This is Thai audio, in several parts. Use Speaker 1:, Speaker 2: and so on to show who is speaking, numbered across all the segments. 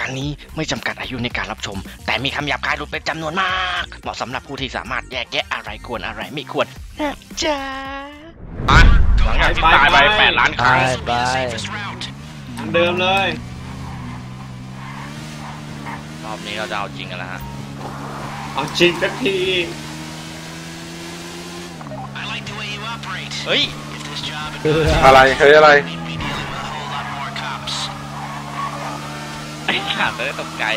Speaker 1: การนี้ไม่จำกัดอายุในการรับชมแต่มีคำหยาบคายหลุดเป็นจำนวนมากเหมาะสำหรับผู้ที่สามารถแยกแยะอะไรควรอะไรไม่ควรนะจ๊ะหลังจากที่ตายไป8 ล้านครั้ง
Speaker 2: ไป
Speaker 3: เดิมเลย
Speaker 1: รอบนี้เราจะเอาจริงกันแล้วฮะ
Speaker 3: เอาจริงสักที
Speaker 1: เฮ้ย
Speaker 2: อะไรเฮ้ยอะไร
Speaker 1: ไอ้ขาดเลยตกใจ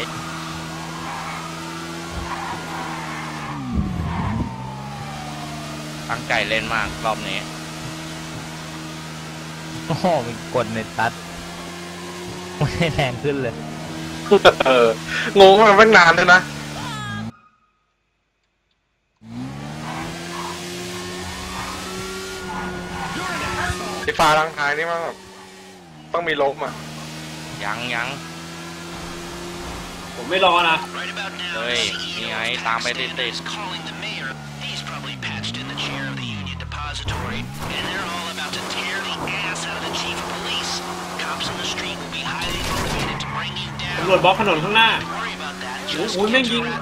Speaker 1: ตั้งใจเล่นมากรอบนี้
Speaker 2: โอ้โหมีกดในตัดไม่แรงขึ้นเลย
Speaker 4: งงมาตั้งนานเลยนะไอ้ฟ้าทางท้ายนี่มันแบบต้องมีลบอ่ะ
Speaker 1: ยัง
Speaker 3: ผมไม่รอนะ
Speaker 1: เฮ้ยนี่ไงตามไปติด
Speaker 3: ตำรวจบล็อกถนนข้างหน้าโอ้ยแม่งยิง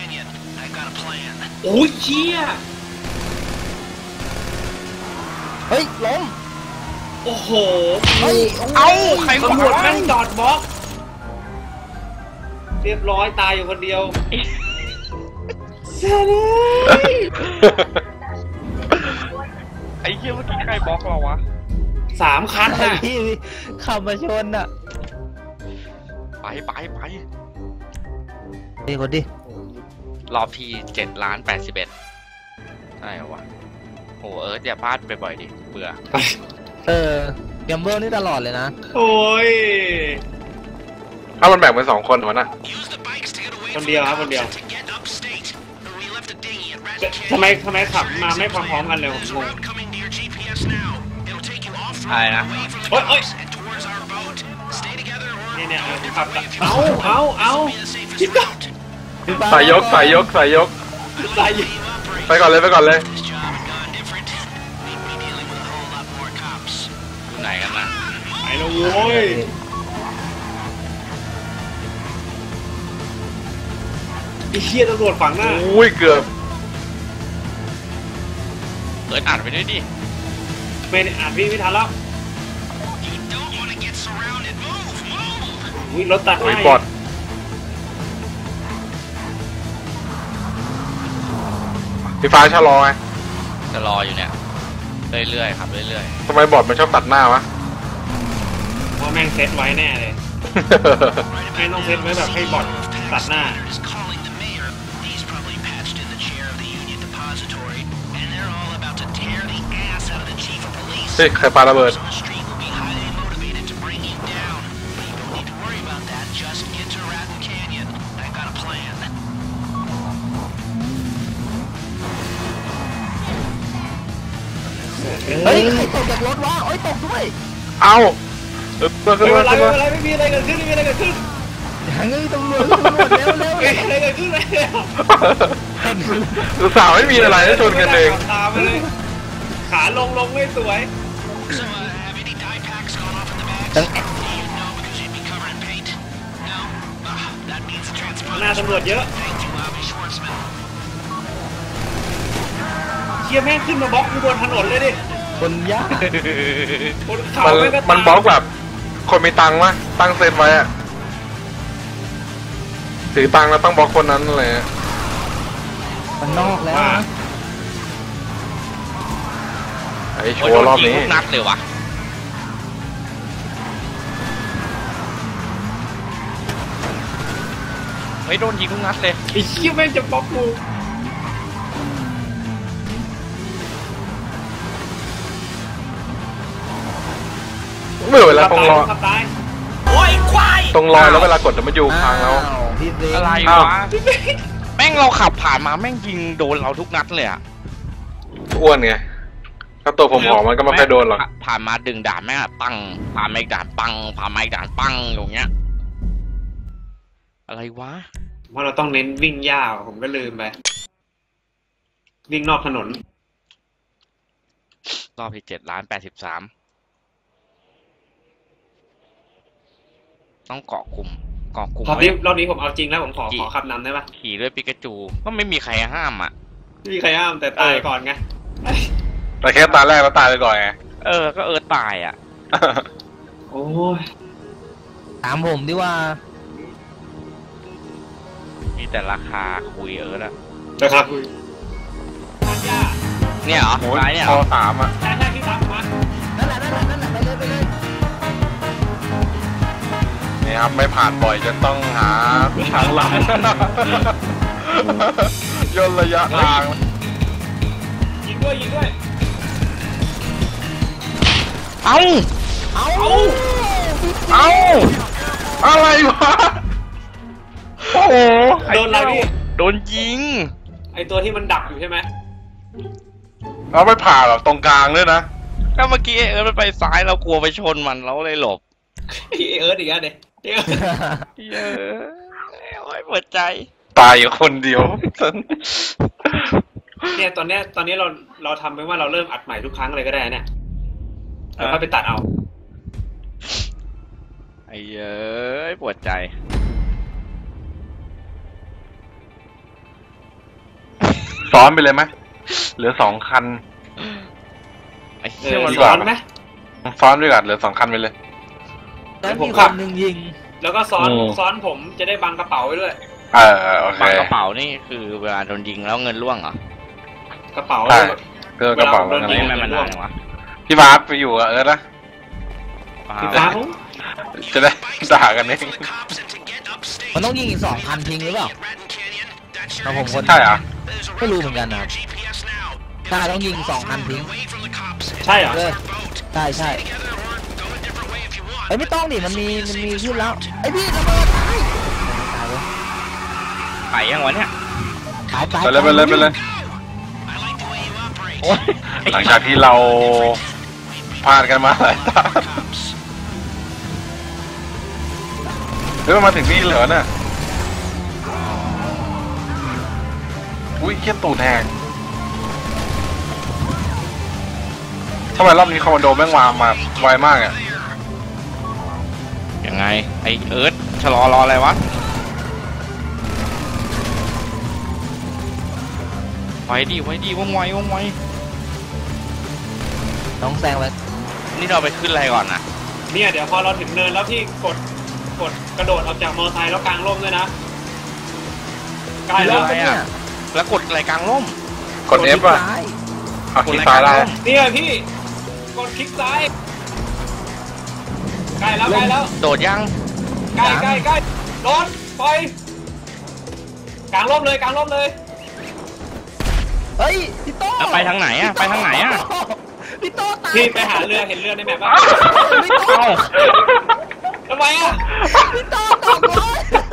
Speaker 3: โอ้ยเชี่ย
Speaker 2: เฮ้ยล้ม
Speaker 3: โอ้โห
Speaker 2: เฮ้ย
Speaker 1: ใคร
Speaker 3: ตำรวจแม่งจอดบล็อกเรียบร้อยตายอยู่คนเดียวเสียเลย
Speaker 1: ไอ้เหี้ยเมื่อกี้ใครบล็อกเราวะ
Speaker 3: 3 คันน่ะ
Speaker 2: พี่ขับมาชนอ่ะ
Speaker 1: ไป
Speaker 2: ดีคนดิ
Speaker 1: รอบที่7,081,000ใช่เหรอวะโหอย่าพลาดไปบ่อยดิเบื่อ
Speaker 2: แกมเบิลนี่ตลอดเลยนะ
Speaker 3: โอ้ย
Speaker 4: ถ้ามันแบ่งเป็น2 คนวะนะ
Speaker 3: คนเดียวครับคนเดียวทำไมขับมาไม่พร้อมๆกันเลยผมงง
Speaker 1: ใช่นะ
Speaker 3: โอ๊ยเนี่ยขับเอา
Speaker 4: สายยกไปก่อนเลย
Speaker 1: อยู่ไหนกันนะ
Speaker 3: ไปแล้วโว้ยไอ้เหี้ยตำรวจฝังหน้า
Speaker 4: อุ้ยเกือบ
Speaker 1: อ่านไปด้วยดิ
Speaker 3: ไม่อ่านพี่ไม่ทันแล้วรถตัดหน้า
Speaker 4: บอดพี่ฟ้าชะลอไง
Speaker 1: จะรออยู่เนี่ยเรื่อยๆครับเรื่อย
Speaker 4: ๆทำไมบอดมันชอบตัดหน้าวะ
Speaker 3: เพราะแม่งเซตไว้แน่เลยไม่ต้องเซตไว้แบบให้บอดตัดหน้า
Speaker 4: เฮ้ยใครปาระเบิด
Speaker 2: เฮ้ยใครตกจากรถวะโอ้ยตกด้วย
Speaker 4: เอา
Speaker 3: ไม่มีอะไรเกิดขึ้น
Speaker 2: ยังไงตำรวจเร็ว
Speaker 3: ไม่มีอะไรเกิดขึ้นเลย
Speaker 4: สาวไม่มีอะไรชนกันเอง
Speaker 3: ตามไปเลยขาลงไม่สวยหน้าตำรวจเยอะเชี่ยแม่งขึ้นมาบล็อกบนถนนเลยดิ
Speaker 2: คนยาก
Speaker 4: มันบล็อกแบบคนมีตังค์วะตั้งเซตไว้อะถือตังค์แล้วต้องบล็อกคนนั้นเลย
Speaker 2: มันนอกแล้ว
Speaker 4: ไอ้โชว์รอบนี้
Speaker 1: นัดเลยวะเฮ้ยโดนยิงทุกนัดเลย
Speaker 3: ไอ้เชี่ยแม่งจะบล็อกกู
Speaker 4: เมื่อเวลาตรงรอตรงรอยแล้วเวลากดมันอยู่พังแล้ว
Speaker 1: อะไรวะแม่งเราขับผ่านมาแม่งยิงโดนเราทุกนัดเลยอะ
Speaker 4: อ้วนไงถ้าตัวผมหอมมันก็ไม่ค่อยโดนหรอก
Speaker 1: ผ่านมาดึงด่านแม่งปังผ่านมาอีกด่านปังผ่านมาอีกด่านปังอย่างเงี้ยอะไรวะ
Speaker 3: ว่าเราต้องเน้นวิ่งยาวผมก็ลืมไปวิ่งนอกถนน
Speaker 1: รอบที่7,083,000ต้องเกาะกลุ่มเกาะกลุ่ม
Speaker 3: รอบนี้ผมเอาจริงแล้วผมขอขับนำได้ปะ
Speaker 1: ขี่ด้วยปิกาจูก็ไม่มีใครห้ามอ่ะ
Speaker 3: ไม่มีใครห้ามแต่ตายก่อนไง
Speaker 4: แต่แค่ตาแรกแล้วตายไปก่อนไง
Speaker 1: ก็ตายอ่ะ
Speaker 3: โอ้ย
Speaker 2: ถามผมดิว่า
Speaker 1: มีแต่ราคาคุยอะ
Speaker 3: นะครับ
Speaker 1: เนี่ยเหรอ
Speaker 4: โอ้ย
Speaker 1: ตายเนี่ยเห
Speaker 4: พ
Speaker 1: ร
Speaker 4: อ
Speaker 1: อ
Speaker 3: ใช่ที่ตามมา
Speaker 2: นั่นแหละไปเลย
Speaker 4: นี่ครับไม่ผ่านบ่อยจนต้องหาทางหลังย่นระยะทาง
Speaker 3: ยิงด้วย
Speaker 1: เอ้า
Speaker 4: อะไรวะโอ้โห
Speaker 3: โดนอะไรพี่
Speaker 1: โดนยิง
Speaker 3: ไอตัวที่มันดักอยู่ใช่ไหม
Speaker 4: เราไม่ผ่านแบบตรงกลางด้วยนะ
Speaker 1: ก็เมื่อกี้มันไปซ้ายเรากลัวไปชนมันเราเลยหลบ
Speaker 3: เอิร์ธอีกแล้วเด็ก
Speaker 1: เยอะโอ้ยปวดใจ
Speaker 4: ตายอยู่คนเดียว
Speaker 3: เนี่ยตอนนี้เราทำไปว่าเราเริ่มอัดใหม่ทุกครั้งเลยก็ได้เนี่ยแล้วก็ไปตัดเอา
Speaker 1: ไอ้เย้ยปวดใจ
Speaker 4: ซ้อนไปเลยไหมเหลือ2 คัน
Speaker 1: ไอ้เชี่ยมัน
Speaker 3: ซ้อนไหม
Speaker 4: ซ้อนด้วยกันเหลือ2 คันไปเลย
Speaker 2: แล้วมีคนหนึ่งยิง
Speaker 3: แล้วก็ซ้อนผมจะได้บังกระเป๋าไว้ด้วย
Speaker 4: โอเค
Speaker 1: บังกระเป๋านี่คือเวลาโดนยิงแล้วเงินร่วงเหรอ
Speaker 3: กระเป๋า
Speaker 4: ใช่เพื่อกระเป๋า
Speaker 3: เวลาผมโดน
Speaker 1: อะไร
Speaker 3: ยิง
Speaker 1: มันนานจังวะ
Speaker 4: พี่บาสไปอยู่กับเอิร์ธนะ
Speaker 3: พี่ฟ้าผม
Speaker 4: จะได้ด่ากันเอง
Speaker 2: มันต้องยิงอีก2,000ทิ้งหรือเปล่าเราผมคน
Speaker 4: ใช่เหรอ
Speaker 2: ไม่รู้เหมือนกันนะครับใช่ต้องยิง2,000ทิ้ง
Speaker 3: ใช่เหรอ
Speaker 2: ใช่ไอ้ไม่ต้องดิมันมีขึ้นแล้วไอ้พี่ระเบิดตาย
Speaker 1: ไก่ยังวะเนี่ย
Speaker 2: ตาย
Speaker 4: ไปเลย
Speaker 1: โอ้ย
Speaker 4: หลังจากที่เราพลาดกันมาหลายตาเฮ้ยมันมาถึงนี่เหรอเนี่ยอุ้ยเขี้ยตูดแหงทำไมรอบนี้คอมมานโดแม่งมาไวมากอ่ะ
Speaker 1: ยังไงไอเอิร์ธชะลอรออะไรวะไว้ดีว่องไว
Speaker 2: ต้องแซงไป
Speaker 1: นี่เราไปขึ้นอะไรก่อนนะ
Speaker 3: เนี่ยเดี๋ยวพอเราถึงเนินแล้วพี่กดกระโดดออกจากมอเตอร์ไซค์แล้วกางร่มด้วยนะใกล้แล้ว
Speaker 2: เนี่ย
Speaker 1: แล้วกดอะไรกลางร่ม
Speaker 4: กด F อ่ะเอาคลิกซ้ายได้
Speaker 3: เนี่ยพี่กดคลิกซ้ายใกล้แล้ว
Speaker 1: โดดยัง
Speaker 3: ใกล้โดนปล่อยกางร่มเลย
Speaker 2: เฮ้ยพี่โต้
Speaker 1: แล้วไปทางไหนอะ
Speaker 2: พี่โต้ตาย
Speaker 3: พี่ไปหาเรือเห็นเรือในแมปป่ะ
Speaker 2: พี่โต้
Speaker 3: ทำไมอ่ะ
Speaker 2: พี่โต้ตกเลย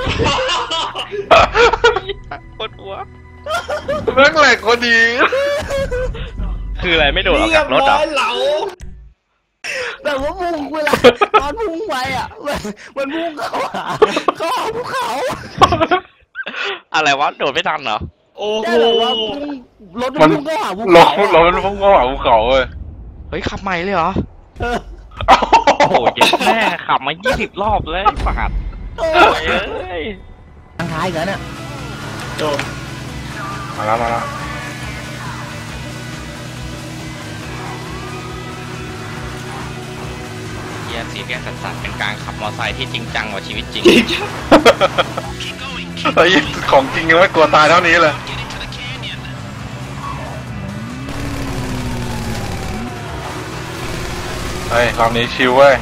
Speaker 1: ปวดหัว
Speaker 4: แม่งแหลกคนดี
Speaker 1: คืออะไรไม่โดดออกจากรถ
Speaker 3: เรียบ
Speaker 1: อ่ะ
Speaker 3: ร้อยเหลา
Speaker 2: แบบว่าพุ่งเวลาตอนพุ่งไปอ่ะมันพุ่งเข้าหาภูเขา
Speaker 1: อะไรวะโดดไม่ทันเหรอ
Speaker 3: โอ้โห
Speaker 2: ได้แบบว่าพุ่งรถมันพุ่งเข้าหาภู
Speaker 4: ล
Speaker 2: เขา
Speaker 4: งเราเป็นพวกเขาภูเขาเว้ย
Speaker 1: เฮ้ยขับใหม่เลยเหรอ
Speaker 2: เออ
Speaker 1: โอ้โหเย็ดแม่ขับมา20 รอบเลยฝาด
Speaker 2: โอ้
Speaker 1: โอ้ย
Speaker 2: ย
Speaker 1: เอ้ย
Speaker 2: ทางท้ายกันเนี่ย
Speaker 3: โดน
Speaker 4: มาแล้ว
Speaker 1: เฮียสีแกนสัสๆเป็นการขับมอเตอร์ไซค์ที่จริงจังกว่าชีวิตจริง
Speaker 4: เฮ้ยของจริงยังไม่กลัวตายเท่านี้เลยเฮ้ยรอบนี้ชิวเว้ย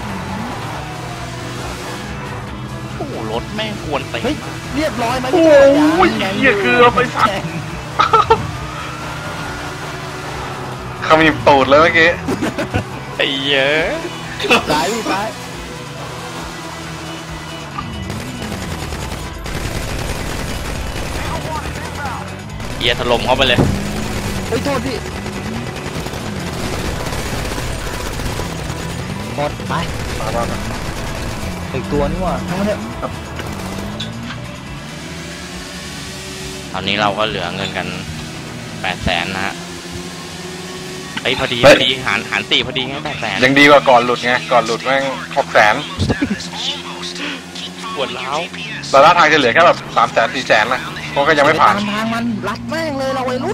Speaker 1: โอ้โหรถแม่งกวนตี
Speaker 2: เฮ้ยเรียบร้อยไหม
Speaker 4: โอ้ยเหี้ยเกลือไปสัตว์ขมิบตูดเลยเมื่อกี้
Speaker 1: ไอ้เหี้ย
Speaker 2: ซ้ายพี่ซ้าย
Speaker 1: เฮียถล่มเข้าไปเลย
Speaker 2: เฮ้ยโทษพี่หมดไปอีกตัวนี่ว่ะทั้งนั้นเนี่ย
Speaker 1: ตอนนี้เราก็เหลือเงินกัน800,000นะฮะไอ้ยพอดีหารตีพอดีไง800,000
Speaker 4: ยังดีกว่าก่อนหลุดไงก่อนหลุดแม่ง600,000
Speaker 1: ปวดร้าว
Speaker 4: แต่ละทางจะเหลือแค่แบบ300,000 400,000นะเพราะก็ยังไม่ผ่าน
Speaker 2: ตามทางมันรัดแม่งเลยเราวัยรุ่น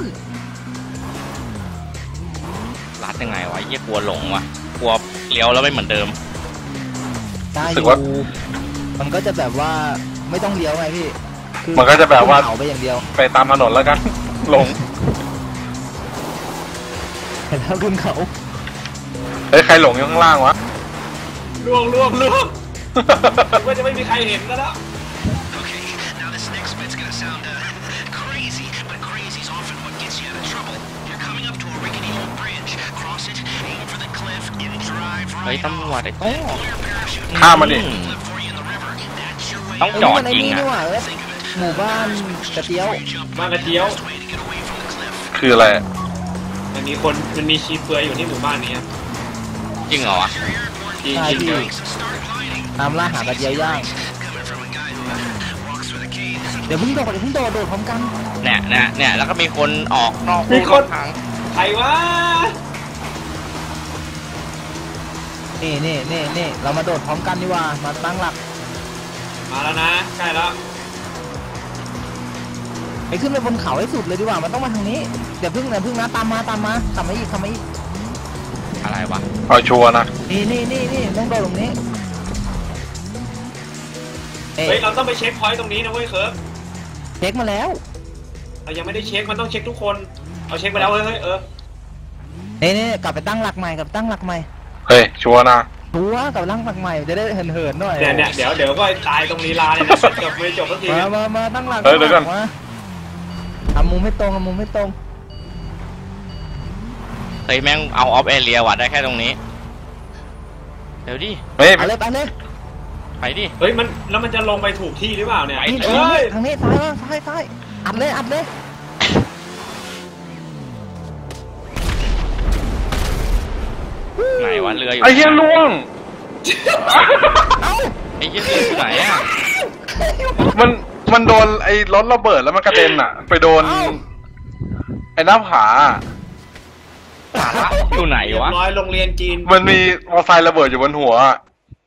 Speaker 1: ลัดยังไงวะเยี่ยกลัวหลงวะกลัวเลี้ยวแล้วไม่เหมือนเดิม
Speaker 2: ได้
Speaker 4: รู้
Speaker 2: อ
Speaker 4: สึก
Speaker 2: ยู่
Speaker 4: ว่า
Speaker 2: มันก็จะแบบว่าไม่ต้องเลี้ยวไงพี่คือ
Speaker 4: มันก็จะแบบว่า
Speaker 2: เขาไปอย่างเดียว
Speaker 4: ไปตามถนนแล้วกัน หลง
Speaker 2: เห็นแล้วขึ้นเขา
Speaker 4: เฮ้ยใครหลงอยู่ข้างล่างวะ
Speaker 3: ล่วงว่าจะไม่มีใครเห็นแล้ว
Speaker 5: Okay, now this next bit's gonna sound crazy, but crazy's often what gets you out of trouble. You're coming up to a rickety old bridge. Cross it, aim for the cliff, and drive
Speaker 1: เฮ้ย
Speaker 5: right
Speaker 1: ตำรวจไอ้โต้
Speaker 5: Pull your parachute
Speaker 4: ข้ามมันดิ
Speaker 5: clip for you in the river. That's your way.
Speaker 1: ต้องจอด
Speaker 2: ไอ้
Speaker 1: ยิง
Speaker 2: นี่
Speaker 1: อ่ะ
Speaker 2: นี่หว่าเอ้ยหมู่บ้านกระเตี้ยว
Speaker 3: บ้านกระเจียว
Speaker 5: Way to get away from the cliff.
Speaker 4: คืออะไร
Speaker 3: มันมีชีเปลือยอยู่ที่หมู่บ้านนี้ครับ
Speaker 1: จริงเหรอวะ
Speaker 3: จริง
Speaker 2: ใช่
Speaker 3: จริง
Speaker 2: พี่
Speaker 3: เดี๋ยว
Speaker 2: ตามล่าหากระเจียวย่าง
Speaker 5: Coming from a guy who walks for the cave.
Speaker 2: เดี๋ยวเพิ่งโดดโดดพร้อมกัน
Speaker 1: เนี่ยแล้วก็มีคนออกนอก
Speaker 3: มีคน
Speaker 1: ทาง
Speaker 3: ใครวะ
Speaker 2: นี่เรามาโดดพร้อมกันดีกว่ามาตั้งหลัก
Speaker 3: มาแล้วนะใกล้แล้ว
Speaker 2: ไปขึ้นไปบนเขาให้สุดเลยดีกว่ามันต้องมาทางนี้เดี๋ยวพึ่งนะตามมาขับมาอีก
Speaker 1: อะไรวะ
Speaker 4: เอาชัวร์นะ
Speaker 2: นี่ต้องโดดตรงนี้
Speaker 3: เฮ้ยเราต้องไปเช็คพอยต์ตรงนี้นะเว้ยเคิร์ฟ
Speaker 2: เช็คมาแล้ว
Speaker 3: เรายังไม่ได้เช็คมันต้องเช็คทุกคนเอาเช็คไปแล้วเฮ้ย
Speaker 2: นี่กลับไปตั้งหลักใหม่
Speaker 4: เฮ้ยชัวร์นะ
Speaker 2: ตัวกลับไปตั้งหลักใหม่จะได้เหินหน่อย
Speaker 3: เนี่ยเดี๋ยวก็ตายตรงลีลาเนี่ยนะจบไม่จบสักที
Speaker 2: มาตั้งหลัก
Speaker 4: เฮ้ยเดี๋ยวก่อน
Speaker 2: มาทำมุมไม่ตรง
Speaker 1: เฮ้ยแม่งเอาออฟเอเรียวัดได้แค่ตรงนี้เดี๋ยวดิ
Speaker 4: เฮ้ย
Speaker 2: ไปเลย
Speaker 1: ไปดิ
Speaker 3: เฮ้ยมันแล้วมันจะลงไปถูกที่หรือเปล่าเนี่ย
Speaker 1: ไป
Speaker 2: นี่
Speaker 3: เฮ้ย
Speaker 2: ทางนี้ซ้ายอัดเลย
Speaker 1: ไหนวะเรืออยู่
Speaker 4: ไอ้เหี้ยล่วง
Speaker 1: ไอ้เหี้ยเรืออยู่ไหนอ่ะ
Speaker 4: มันโดนไอ้รถระเบิดแล้วมันกระเด็นอ่ะ ไปโดนไอ้หน้าผา
Speaker 1: สาระอยู่ไหน
Speaker 3: เรียบ
Speaker 1: วะ
Speaker 3: ร้อยโรงเรียนจีน
Speaker 4: มันมีมอเตอร์ไซค์ระเบิดอยู่บนหัวอะ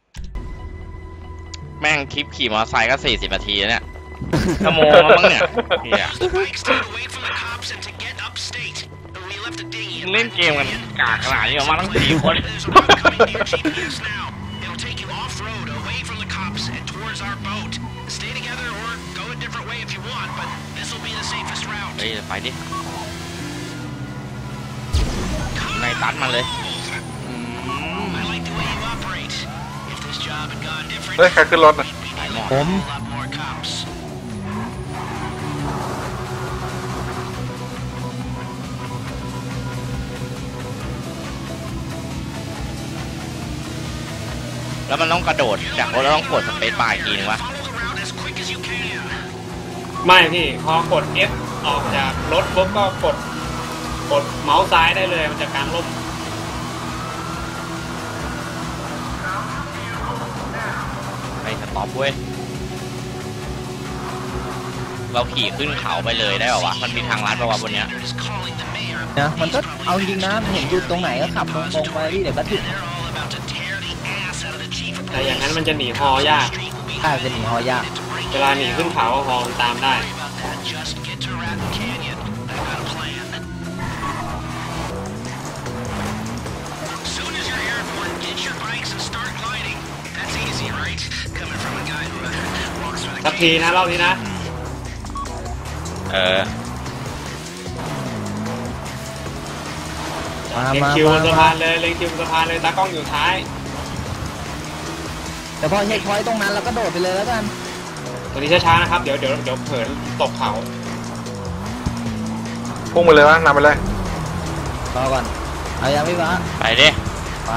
Speaker 1: แม่งคลิปขี่มอเตอร์ไซค์ก็40 นาทีแล้วเนี่ยชั่วโมงแล้วมั้งเนี่ยเหี้ย
Speaker 5: The bike stayed away from the cops and to get upstate. We left a dinghy in
Speaker 1: เล่นเกมกันกากขนาดนี้ออกมาทั้ง4 คน
Speaker 5: There's a boat coming to your GPS now. It'll take you off-road, away from the cops, and towards our boat. Stay together or go a different way if you want, but this will be the safest route.
Speaker 1: เฮ้ยไปดิในตัดมาเลย
Speaker 5: I like the way you operate. If this job had gone different,
Speaker 4: เฮ้ยใครขึ้นรถอ่ะ
Speaker 1: สายหมอก
Speaker 2: ผม
Speaker 5: a lot more cops.
Speaker 1: แล้วมันต้องกระโดดจากรถแล้วต้องกดสเปซบาร์อีกทีนึงวะ
Speaker 5: Follow the route as quick as you can.
Speaker 3: ไม่พี่พอกด F ออกจากรถปุ๊บก็กดเมาส์ซ้ายได้เลยมันจะกลางร่ม
Speaker 1: ไปสต็อปเว้ยเราขี่ขึ้นเขาไปเลยได้ป่าวะมันมีทางลัดป่าวะบนเนี้ย
Speaker 5: They're just calling the mayor.
Speaker 2: นะมันก็เอาจริงนะเห็นอยู่ตรงไหนก็ขับตรงไปพี่เดี๋ยวก็ถึง
Speaker 5: They're all about to tear the ass out of the chief of
Speaker 3: แต่อย่าง
Speaker 5: police.
Speaker 3: นั้นมันจะหนีฮอยาก
Speaker 5: Street will be
Speaker 2: ถ้าจะหนีหอยาก
Speaker 3: เวลาหนีขึ้นเขาฮอมันตามได้
Speaker 5: Sorry about that. Just get to Ratton Canyon. I've got a plan. Soon as you're here, everyone, get your bikes and start gliding. That's easy, right? Coming from a guy who walks for the
Speaker 3: สักทีนะรอบนี้นะ
Speaker 1: เออ
Speaker 2: มา
Speaker 3: เล็ง
Speaker 2: มา
Speaker 3: คิวบนสะ
Speaker 2: มา
Speaker 3: พานเลยเล็งคิวบนสะพานเลยตากล้องอยู่ท้าย
Speaker 2: แต่พอเช็คพอยต์ตรงนั้นเราก็โดดไปเลยแล้วกัน
Speaker 3: ตอนนี้ช้าๆนะครับเดี๋ยวเผลอตกเขา
Speaker 4: พุ่งไปเลยวะนำไปเลย
Speaker 2: รอก่อนเอายังพี่วะ
Speaker 1: ไปดิ
Speaker 2: ไป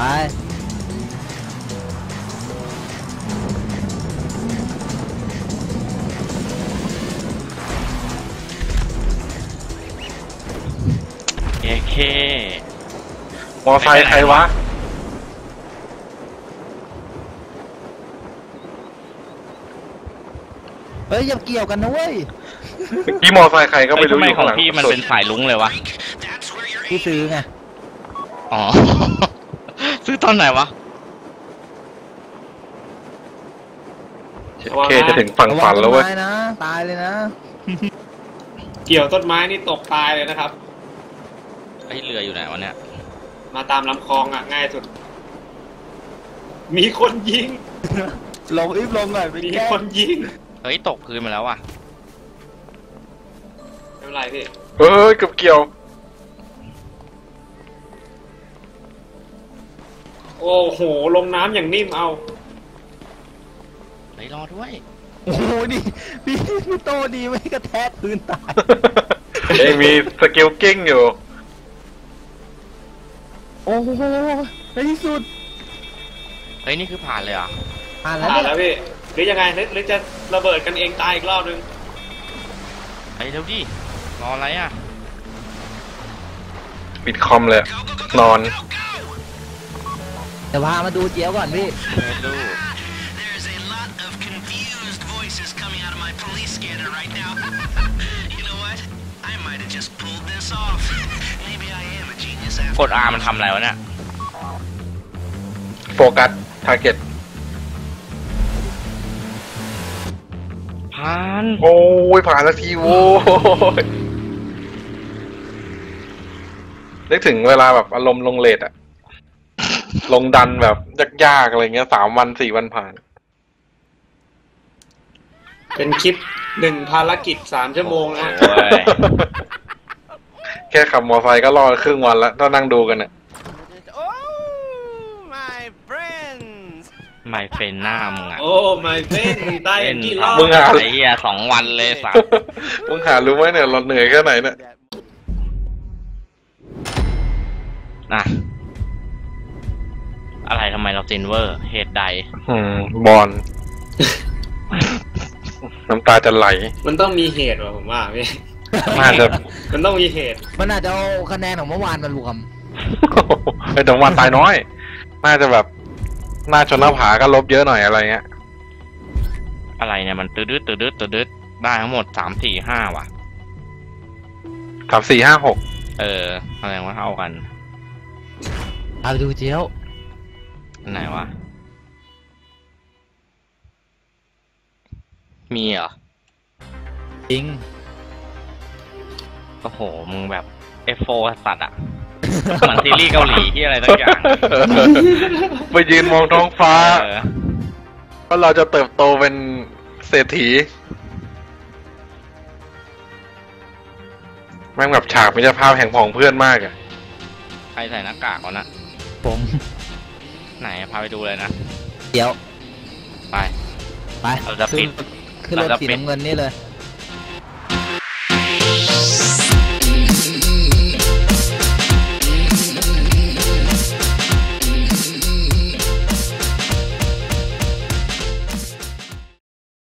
Speaker 1: เค
Speaker 4: มอเตอร์ไซค์ใครวะ
Speaker 2: เฮ้ยอย่าเกี่ยวกันนะเว้ย
Speaker 4: พี่มอเตอร์ไซค์ใครก็ไม่รู้
Speaker 1: ทำไม
Speaker 4: อยู่
Speaker 1: ขอ
Speaker 4: ข้าง งหลัง
Speaker 1: พี่มัน
Speaker 4: สุด
Speaker 1: เป็นสายลุ้งเลยวะ
Speaker 5: That's where you're
Speaker 2: พี่ซื้อไง
Speaker 1: อ๋อ ซื้อตอนไหนวะ
Speaker 3: ระวัง
Speaker 4: เค
Speaker 3: นะ
Speaker 4: จะถึงฝั่งฝันแล้วเว้ย
Speaker 2: ระงต้นไม้นะตายเลยนะ
Speaker 3: เกี่ยวต้นไม้นี่ตกตายเลยนะครับ
Speaker 1: ไอ้เรืออยู่ไหนวะเนี่ย
Speaker 3: มาตามลำคลองอ่ะง่ายสุด มีคนยิง
Speaker 2: ลงอีฟลงหน่อยไป
Speaker 3: มี
Speaker 2: แก้
Speaker 3: คนยิง
Speaker 1: เฮ้ยตกพื้นมาแล้วอ่ะ
Speaker 3: ไม่เป็นไรพี่
Speaker 4: เฮ้ยเกือบเกี่ยว
Speaker 3: โอ้โหลงน้ำอย่างนิ่มเอา
Speaker 1: เฮ้ยรอด้วย
Speaker 2: โอ้โหนี่พี่โตดีไม่กระแทกพื้นตาย
Speaker 4: เอ้ยมีสกิลกิ้งอยู่
Speaker 2: โอ้โหในที่สุด
Speaker 1: เฮ้ยนี่คือผ่านเลยเหรอ่ะ
Speaker 2: ผ่านแล้ว
Speaker 3: ผ่าน
Speaker 2: เนี่
Speaker 3: แล้
Speaker 2: ยว
Speaker 3: พี่หรือยังไงหรือจะระเบิดกันเองตายอีกรอบนึง
Speaker 1: เฮ้ยเร็วดิรออะไรอ่ะ
Speaker 4: ปิดคอมเลยอะนอน
Speaker 2: เดี๋ยวพามาดูเจี๊ยวก่อนพี่
Speaker 1: ไม่รู้
Speaker 5: There's a lot of confused voices coming out of my police scanner right now. You know what? I might have just pulled this off. Maybe I am a genius
Speaker 1: ก
Speaker 5: after
Speaker 1: ด R มันทำอะไรวะเนี่ย
Speaker 4: โฟกัสทาร์เก็ต
Speaker 1: ผ่าน
Speaker 4: โอ้ยผ่านสักทีโว้ยนึกถึงเวลาแบบอารมณ์ลงเลทอะลงดันแบบยากๆอะไรเงี้ย3 วัน 4 วันผ่าน
Speaker 3: เป็นคลิป1 ภารกิจ 3 ชั่วโมงนะ
Speaker 1: โอ้ย
Speaker 4: แค่ขับมอไซค์ก็รอครึ่งวันแล้วถ้านั่งดูกันเนี่ย
Speaker 1: ไม่เฟนหน้ามึงอ่ะ
Speaker 3: โอ้ไม่เป็นได้กี่รอบ
Speaker 4: มึงหา
Speaker 1: ไอ้เหี้ย2 วันเลยสัส
Speaker 4: มึงหารู้ไหมเนี่ยเราเหนื่อยแค่ไหนเนี่ย
Speaker 1: นะอะไรทำไมเราซินเวอร์ เหตุใด
Speaker 4: บอล น้ำตาจะไหล
Speaker 3: มันต้องมีเหตุว่ะผมว่าพี่
Speaker 4: น่าจะ
Speaker 3: มันต้องมีเหตุ
Speaker 2: มันอาจจะเอาคะแนนของเมื่อวานมารวม
Speaker 4: ไอ้แต่วันตายน้อย น่าจะแบบหน้าชนหน้าผาก็ลบเยอะหน่อยอะไรเงี้ย
Speaker 1: อะไรเนี่ยมันตืดได้ทั้งหมด3 4 5ว่ะ
Speaker 4: 3 4 5 6
Speaker 1: แสดงว่าเท่ากัน
Speaker 2: พาไปดูเจี๊ยว
Speaker 1: อันไหนวะ มีเหรอ
Speaker 2: จริง
Speaker 1: โอ้โห มึงแบบ F4 สัตว์อ่ะ เหมือนซีรีส์เกาหลีที่อะไรสักอย่าง
Speaker 4: ไปยืนมองท้องฟ้า
Speaker 1: เออ
Speaker 4: ว่าเราจะเติบโตเป็นเศรษฐีแม่งแบบฉากมิตรภาพแห่งผองเพื่อนมากอะ
Speaker 1: ใครใส่หน้ากากวะนะ
Speaker 2: ผม
Speaker 1: ไหนพาไปดูเลยนะ
Speaker 2: เจี๊ยว
Speaker 1: ไป
Speaker 2: ไป
Speaker 1: เราจะปิด
Speaker 2: ขึ้นรถ
Speaker 1: เราจะ
Speaker 2: สี
Speaker 1: ปิด
Speaker 2: น้ำเงินนี่เลย